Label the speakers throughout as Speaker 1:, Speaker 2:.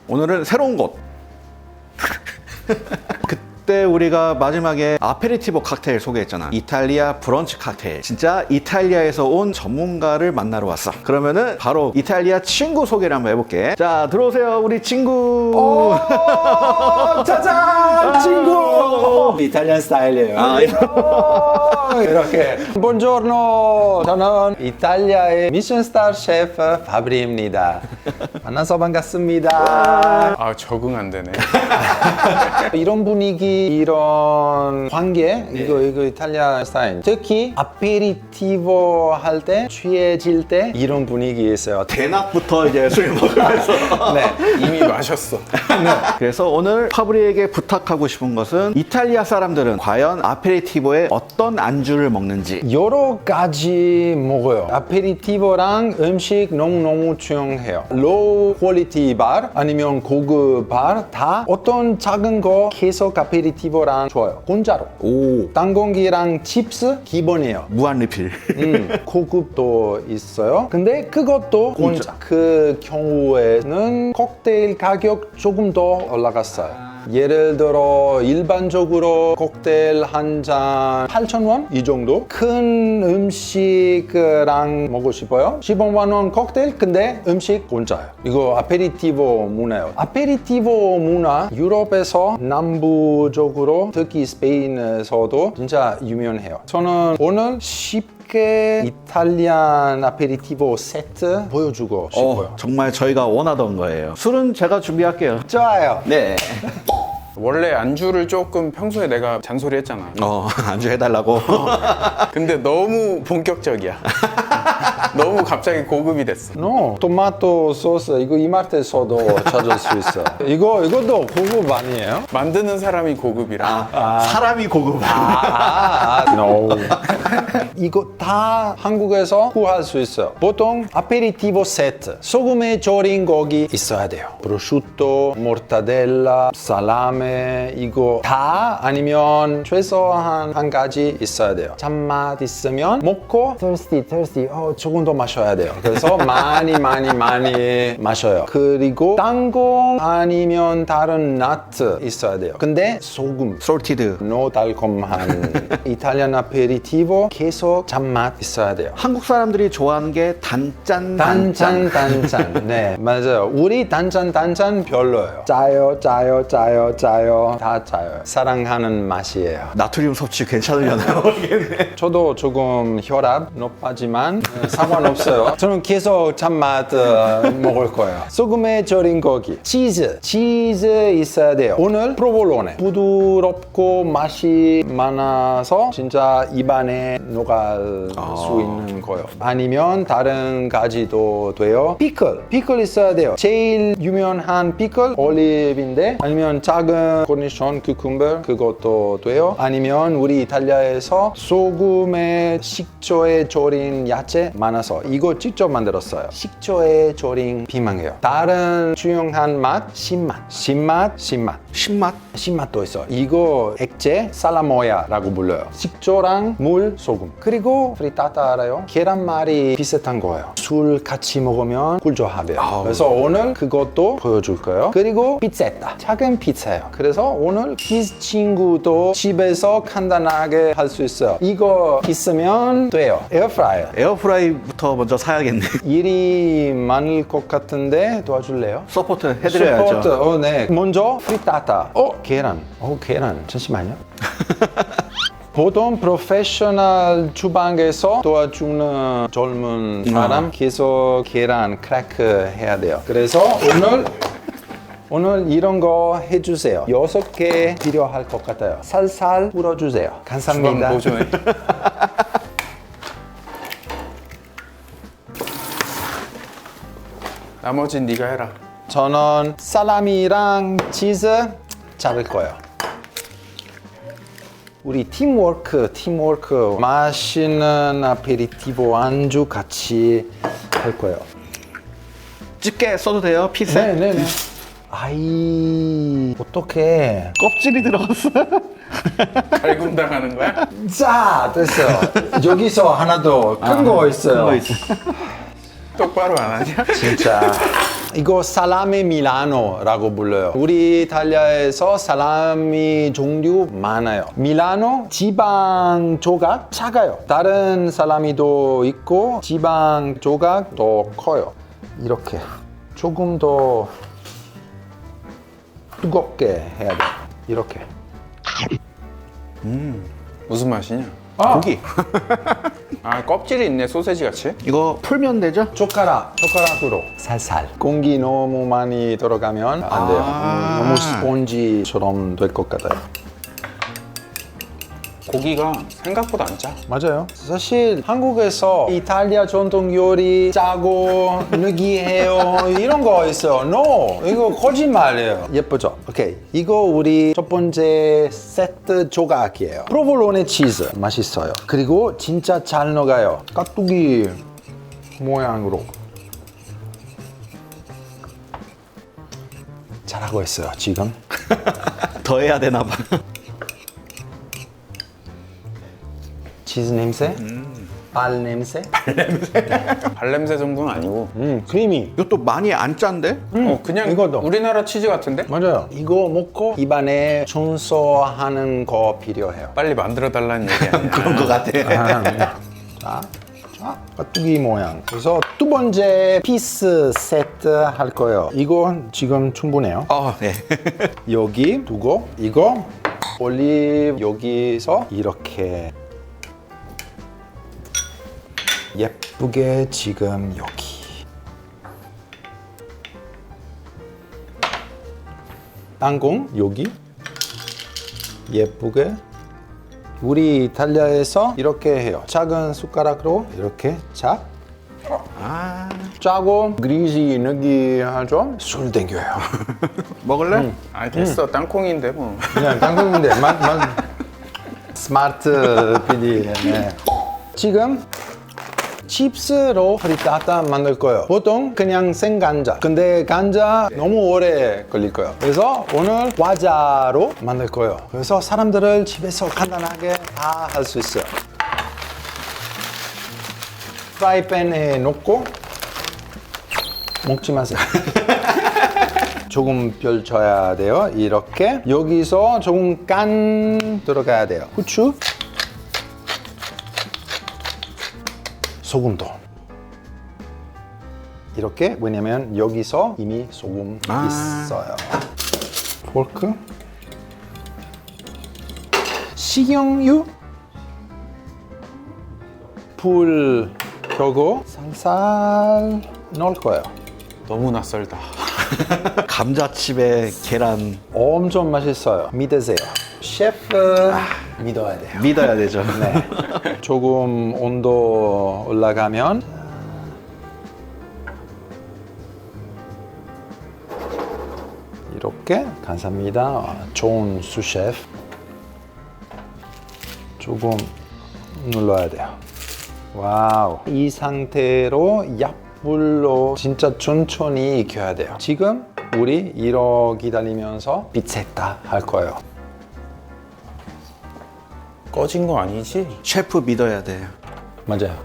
Speaker 1: 오늘은 새로운 곳. 그때 우리가 마지막에 아페리티보 칵테일 소개했잖아. 이탈리아 브런치 칵테일. 진짜 이탈리아에서 온 전문가를 만나러 왔어. 그러면은 바로 이탈리아 친구 소개를 한번 해볼게. 자, 들어오세요, 우리 친구.
Speaker 2: 짜잔! 친구! 이탈리안 스타일이에요. 이렇게. Buongiorno. 저는 이탈리아의 미션스타 셰프 파브리입니다. 만나서 반갑습니다.
Speaker 3: 아, 적응 안 되네.
Speaker 2: 이런 분위기, 이런 관계, 이거 이탈리아 스타일. 특히 아페리티보 할 때, 취해질 때 이런 분위기 있어요.
Speaker 1: 대낮부터 이제 술 먹으면서.
Speaker 2: 네.
Speaker 3: 이미 마셨어.
Speaker 1: 그래서 오늘 파브리에게 부탁하고 싶은 것은 이탈리아 사람들은 과연 아페리티보에 어떤 안주를 먹는지.
Speaker 2: 여러 가지 먹어요. 아페리티보랑 음식 너무너무 중요해요. 로우 퀄리티 바 아니면 고급 바 다 어떤 작은 거 계속 아페리티보랑 좋아요. 공짜로.
Speaker 1: 오,
Speaker 2: 땅콩기랑 칩스 기본이에요.
Speaker 1: 무한 리필.
Speaker 2: 고급도 있어요. 근데 그것도 공짜. 그 경우에는 칵테일 가격 조금 더 올라갔어요. 예를 들어 일반적으로 칵테일 한 잔 8,000원 이 정도. 큰 음식랑 먹고 싶어요. 15만 원 칵테일 근데 음식 공짜예요. 이거 아페리티보 문화예요. 아페리티보 문화 유럽에서 남부적으로 특히 스페인에서도 진짜 유명해요. 저는 오늘 쉽게 이탈리안 아페리티보 세트 보여주고 싶어요.
Speaker 1: 정말 저희가 원하던 거예요. 술은 제가 준비할게요.
Speaker 2: 좋아요.
Speaker 1: 네.
Speaker 3: 원래 안주를 조금 평소에 내가 잔소리 했잖아.
Speaker 1: 안주 해달라고.
Speaker 3: 근데 너무 본격적이야. 너무 갑자기 고급이 됐어.
Speaker 2: No, 토마토 소스 이거 이마트에서도 찾을 수 있어. 이것도 고급 아니에요?
Speaker 3: 만드는 사람이 고급이라.
Speaker 1: 사람이 고급.
Speaker 2: No. 이거 다 한국에서 구할 수 있어요. 보통 아페리티보 세트, 소금에 절인 고기 있어야 돼요. prosciutto, 모르타델라, 살라메 이거 다 아니면 최소한 한 가지 있어야 돼요. 잔맛 있으면 먹고 thirsty, 조금 더 마셔야 돼요. 그래서 많이 마셔요. 그리고 땅콩 아니면 다른 나트 있어야 돼요. 근데 소금,
Speaker 1: 솔티드.
Speaker 2: no 달콤한 이탈리안 아페리티보 계속 잔맛 있어야 돼요.
Speaker 1: 한국 사람들이 좋아하는 게 단짠.
Speaker 2: 단짠. 네, 맞아요. 우리 단짠 별로예요. 짜요. 다 짜요. 사랑하는 맛이에요.
Speaker 1: 나트륨 섭취 괜찮으려나요?
Speaker 2: 저도 조금 혈압 높아지만 상관없어요. 저는 계속 잔맛 먹을 거예요. 소금에 절인 고기, 치즈 있어야 돼요. 오늘 프로볼로네 부드럽고 맛이 많아서 진짜 입안에 녹을 수 있는 거예요. 아니면 다른 가지도 돼요. 피클 있어야 돼요. 제일 유명한 피클 올리브인데 아니면 작은 코니션 쿠쿰버 그것도 돼요. 아니면 우리 이탈리아에서 소금에 식초에 절인 야채 많아서 이거 직접 만들었어요. 식초에 절인 비망해요. 다른 중요한 맛 신맛도 있어. 이거 액체 살라모야라고 불러요. 식초랑 물, 소금. 그리고 프리타타 알아요? 계란말이 비슷한 거예요. 술 같이 먹으면 꿀조합이에요. 그래서 오늘 그것도 보여줄 거예요. 그리고 피자etta. 작은 피자예요. 그래서 오늘 키스 친구도 집에서 간단하게 할 수 있어요. 이거 있으면 돼요. 에어프라이어.
Speaker 1: 에어프라이부터 먼저 사야겠네.
Speaker 2: 일이 많을 것 같은데 도와줄래요?
Speaker 1: 서포트 해드려야죠.
Speaker 2: 서포트. 네. 먼저 프리타타. 계란. 잠시만요. 보통 프로페셔널 주방에서 도와주는 젊은 사람 계속 계란 크래크 해야 돼요. 그래서 오늘 이런 거 해주세요. 6개 필요할 것 같아요. 살살 불어주세요. 감사합니다.
Speaker 3: 보존해. 나머진 네가 해라.
Speaker 2: 저는 살라미랑 치즈 자를 거예요. 우리 팀워크 맛있는 아페리티보 안주 같이 할 거예요.
Speaker 1: 집게 써도 돼요? 피세?
Speaker 2: 네네네. 아이 어떡해.
Speaker 1: 껍질이 들어갔어.
Speaker 3: 갈굼 당하는 거야?
Speaker 2: 자 됐어요. 여기서 하나 더 큰 거 있어요.
Speaker 1: 큰 거 있어.
Speaker 3: 똑바로 안 하냐?
Speaker 2: 진짜 이거 살라미 밀라노라고 불러요. 우리 이탈리아에서 살라미 종류 많아요. 밀라노 지방 조각 작아요. 다른 살라미도 있고 지방 조각 더 커요. 이렇게 조금 더 뜨겁게 해야 돼요. 이렇게.
Speaker 3: 무슨 맛이냐?
Speaker 1: 고기.
Speaker 3: 아, 껍질이 있네, 소세지 같이.
Speaker 1: 이거 풀면 되죠?
Speaker 2: 젓가락으로 살살. 공기 너무 많이 들어가면 안 돼요. 너무 스폰지처럼 될 것 같아요.
Speaker 3: 고기가 생각보다 안 짜.
Speaker 2: 맞아요. 사실 한국에서 이탈리아 전통 요리 짜고 느끼해요 이런 거 있어요. No, 이거 거짓말이에요. 예쁘죠? 오케이, 이거 우리 첫 번째 세트 조각이에요. 프로볼로네 치즈 맛있어요. 그리고 진짜 잘 녹아요. 깍두기 모양으로. 잘하고 있어요 지금.
Speaker 1: 더 해야 되나 봐.
Speaker 2: 치즈 냄새? 발 냄새?
Speaker 3: 발냄새 정도는 아니고.
Speaker 2: 크리미.
Speaker 1: 이것도 많이 안 짠데?
Speaker 3: 그냥
Speaker 2: 이거도.
Speaker 3: 우리나라 치즈 같은데?
Speaker 2: 맞아요. 이거 먹고 입안에 청소하는 거 필요해요.
Speaker 3: 빨리 만들어 달라는 얘기 아니야.
Speaker 1: 그런 거 같아.
Speaker 2: 자, 깍두기 모양. 그래서 두 번째 피스 세트 할 거예요. 이거 지금 충분해요.
Speaker 1: 네.
Speaker 2: 여기 두고 이거 올리브 여기서 이렇게 예쁘게 지금 여기 땅콩 여기 예쁘게. 우리 이탈리아에서 이렇게 해요. 작은 숟가락으로 이렇게 짜고 그리지 느끼하죠? 술 땡겨요.
Speaker 1: 먹을래?
Speaker 3: 아, 됐어. 땅콩인데 뭐.
Speaker 2: 그냥 땅콩인데 스마트 PD. 네. 지금 칩스로 프리타타 만들 거예요. 보통 그냥 생간자. 근데 간자 너무 오래 걸릴 거예요. 그래서 오늘 과자로 만들 거예요. 그래서 사람들을 집에서 간단하게 다 할 수 있어요. 프라이팬에 넣고 먹지 마세요. 조금 펼쳐야 돼요. 이렇게 여기서 조금 간 들어가야 돼요. 후추, 소금도 이렇게. 왜냐면 여기서 이미 소금 있어요. 포크, 식용유, 불 켜고 살살 넣을 거예요.
Speaker 3: 너무 낯설다.
Speaker 1: 감자칩에 계란
Speaker 2: 엄청 맛있어요. 믿으세요. 셰프 믿어야 돼요.
Speaker 1: 믿어야 되죠.
Speaker 2: 네. 조금 온도 올라가면 이렇게. 감사합니다. 좋은 수셰프. 조금 눌러야 돼요. 와우. 이 상태로 약불로 진짜 천천히 익혀야 돼요. 지금 우리 이러 기다리면서 피체타 할 거예요.
Speaker 3: 꺼진 거 아니지?
Speaker 1: 셰프 믿어야 돼요.
Speaker 2: 맞아요.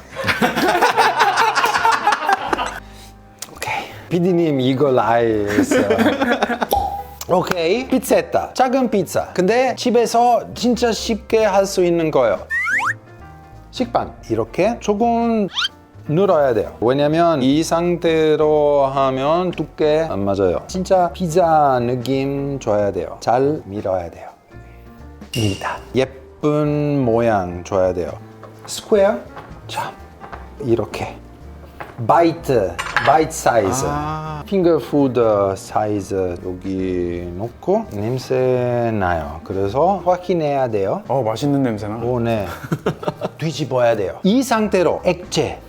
Speaker 2: 오케이. PD님 이걸 알겠어요. 오케이. 피체타. 작은 피자. 근데 집에서 진짜 쉽게 할 수 있는 거예요. 식빵. 이렇게 조금 눌러야 돼요. 왜냐면 이 상태로 하면 두께 안 맞아요. 진짜 피자 느낌 줘야 돼요. 잘 밀어야 돼요. 밀다. 예쁜 모양 줘야 돼요. 스퀘어. 자, 이렇게. 바이트 사이즈. 핑거푸드 사이즈 여기 놓고 냄새 나요. 그래서 확인해야 돼요.
Speaker 3: 맛있는 냄새나.
Speaker 2: 오, 네. 뒤집어야 돼요. 이 상태로 액체.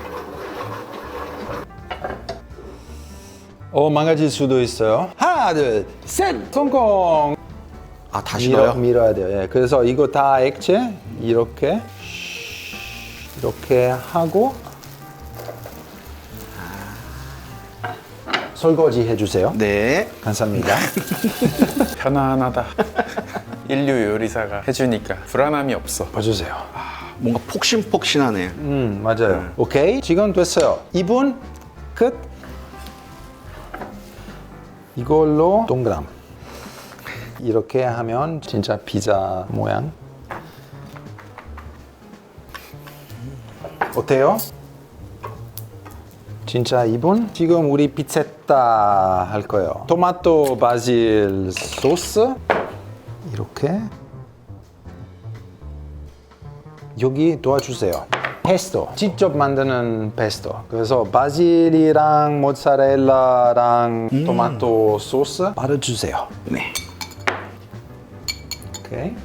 Speaker 2: 망가질 수도 있어요. 하나, 둘, 셋! 성공!
Speaker 1: 다시 넣어요?
Speaker 2: 밀어야 돼요. 예. 그래서 이거 다 액체 이렇게 하고 설거지 해주세요.
Speaker 1: 네.
Speaker 2: 감사합니다.
Speaker 3: 편안하다. 인류 요리사가 해주니까 불안함이 없어.
Speaker 2: 봐주세요.
Speaker 1: 뭔가 폭신폭신하네요.
Speaker 2: 맞아요. 오케이, 지금 됐어요. 2분 끝. 이걸로 동그람. 이렇게 하면 진짜 피자 모양. 어때요? 진짜 이분? 지금 우리 피체타 할 거예요. 토마토 바질 소스 이렇게 여기 도와주세요. 페스토 직접 만드는 페스토. 그래서 바질이랑 모짜렐라랑 토마토 소스 바르주세요.
Speaker 1: 네.
Speaker 2: 오케이.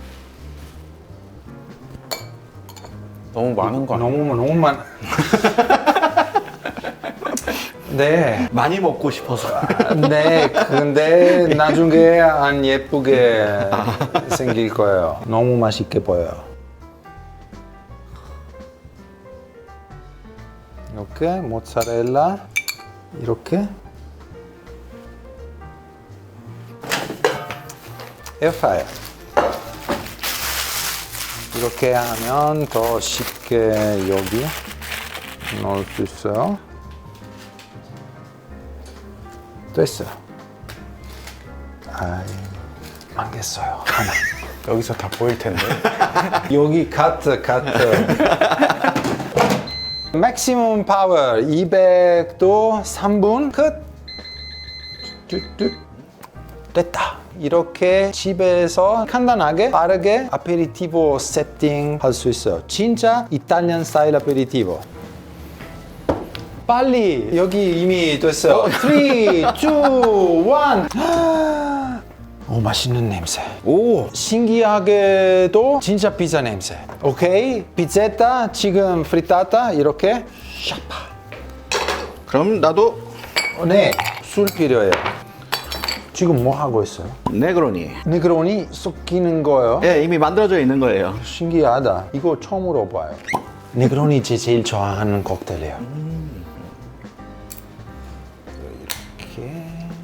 Speaker 3: 너무 많은 거 아니야?
Speaker 2: 너무 많아. 네.
Speaker 1: 많이 먹고 싶어서.
Speaker 2: 네, 근데 나중에 안 예쁘게 생길 거예요. 너무 맛있게 보여요. 이렇게 모짜렐라 이렇게 에어프라이어 이렇게 하면 더 쉽게 여기 넣을 수 있어요. 됐어요. 아이, 망했어요. 하나.
Speaker 3: 여기서 다 보일 텐데.
Speaker 2: 여기 카트. 맥시멈 파워 200도 3분 끝. 뚝뚝. 됐다. 이렇게 집에서 간단하게 빠르게 아페리티보 세팅 할 수 있어요. 진짜 이탈리안 스타일 아페리티보. 빨리 여기 이미 됐어요. 3, 2, 1. 오, 맛있는 냄새.
Speaker 1: 오,
Speaker 2: 신기하게도 진짜 피자 냄새. 오케이, 피자타 지금 프리타타 이렇게 샤파.
Speaker 1: 그럼 나도
Speaker 2: 네, 술 필요해요. 지금 뭐 하고 있어요?
Speaker 1: 네그로니.
Speaker 2: 네그로니 섞이는 거예요?
Speaker 1: 예, 이미 만들어져 있는 거예요.
Speaker 2: 신기하다. 이거 처음으로 봐요. 네그로니 제일 좋아하는 칵테일이에요. 이렇게.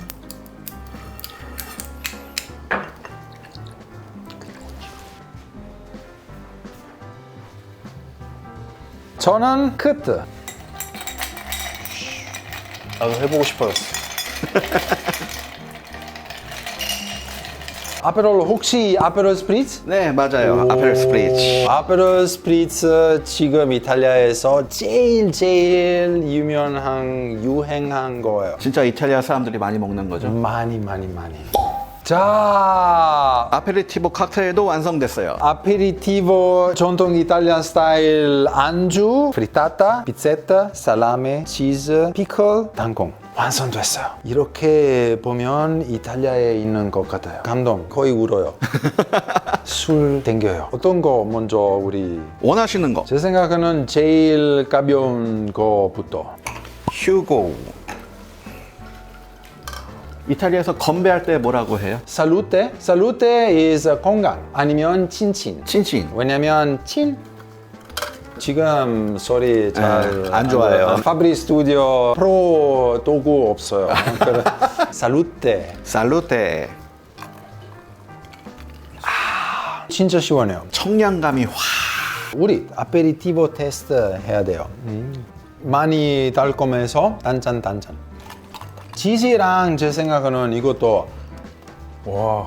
Speaker 2: 저는 끝.
Speaker 3: 나도 해보고 싶어졌어.
Speaker 2: 아페롤 혹시 아페롤 스프리츠?
Speaker 1: 네, 맞아요. 아페르 스프리츠.
Speaker 2: 아페롤 스프리츠 지금 이탈리아에서 제일 유행한 거예요.
Speaker 1: 진짜 이탈리아 사람들이 많이 먹는 거죠.
Speaker 2: 많이. 자,
Speaker 1: 아페리티보 칵테일도 완성됐어요.
Speaker 2: 아페리티보 전통 이탈리안 스타일 안주, 프리타타, 피체타, 살라메, 치즈, 피클, 땅콩 완성됐어요. 이렇게 보면 이탈리아에 있는 것 같아요. 감동, 거의 울어요. 술 땡겨요. 어떤 거 먼저 우리
Speaker 1: 원하시는 거.
Speaker 2: 제 생각에는 제일 가벼운 거부터.
Speaker 1: 휴고. 이탈리아에서 건배할 때 뭐라고 해요?
Speaker 2: 살루테? 살루테 is 건강 아니면 친친.
Speaker 1: 친친.
Speaker 2: 왜냐면 친 지금 소리 잘
Speaker 1: 안 좋아요.
Speaker 2: 파브리 스튜디오 프로 도구 없어요. 살루테.
Speaker 1: 살루테.
Speaker 2: 진짜 시원해요.
Speaker 1: 청량감이 확.
Speaker 2: 우리 아페리티보 테스트 해야 돼요. 많이 달콤해서 단짠. 치즈랑 제 생각에는 이것도
Speaker 3: 와.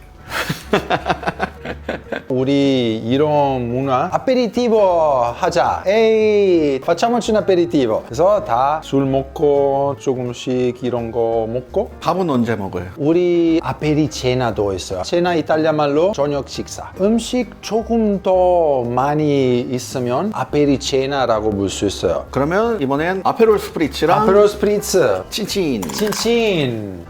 Speaker 2: 우리 이런 문화 아페리티보 하자. 에이, facciamoci un aperitivo. 그래서 다 술 먹고 조금씩 이런 거 먹고
Speaker 1: 밥은 언제 먹어요?
Speaker 2: 우리 아페리체나도 있어요. 체나 이탈리아 말로 저녁 식사. 음식 조금 더 많이 있으면 아페리체나라고 부를 수 있어요.
Speaker 1: 그러면 이번엔 아페롤 스프리츠랑
Speaker 2: 아페롤 스프리츠,
Speaker 1: 친친.
Speaker 2: 친친.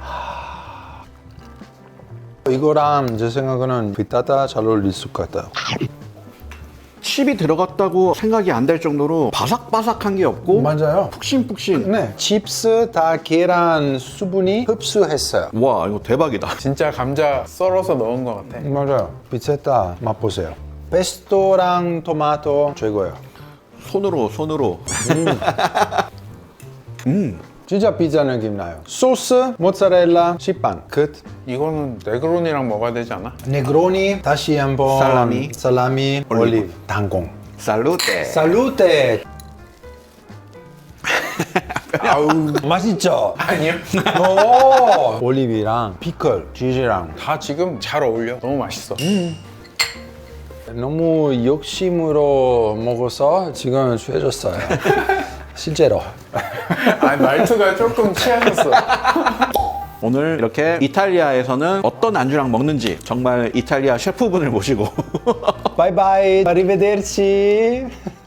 Speaker 2: 이거랑 제 생각에는 피타타 잘 어울릴 것 같아요.
Speaker 1: 칩이 들어갔다고 생각이 안 될 정도로 바삭바삭한 게 없고
Speaker 2: 맞아요.
Speaker 1: 푹신푹신.
Speaker 2: 네, 칩스 다 계란 수분이 흡수했어요.
Speaker 1: 와, 이거 대박이다.
Speaker 3: 진짜 감자 썰어서 넣은 것 같아.
Speaker 2: 맞아요. 피체타 맛보세요. 페스토랑 토마토 최고예요.
Speaker 1: 손으로.
Speaker 2: 진짜 피자 느낌 나요. 소스, 모짜렐라, 식빵 끝.
Speaker 3: 이거는 네그로니랑 먹어야 되지 않아?
Speaker 2: 네그로니 다시 한번 살라미, 올리브, 땅콩.
Speaker 1: 살루테.
Speaker 2: 살루테.
Speaker 3: 아우.
Speaker 2: 맛있죠?
Speaker 3: 아니요.
Speaker 2: 오! 올리브랑 피클, 치즈랑
Speaker 3: 다 지금 잘 어울려. 너무 맛있어.
Speaker 2: 너무 욕심으로 먹어서 지금 취해졌어요. 실제로.
Speaker 3: 아, 말투가 조금 취하셨어.
Speaker 1: 오늘 이렇게 이탈리아에서는 어떤 안주랑 먹는지 정말 이탈리아 셰프분을 모시고
Speaker 2: 바이바이. 아리베데르치.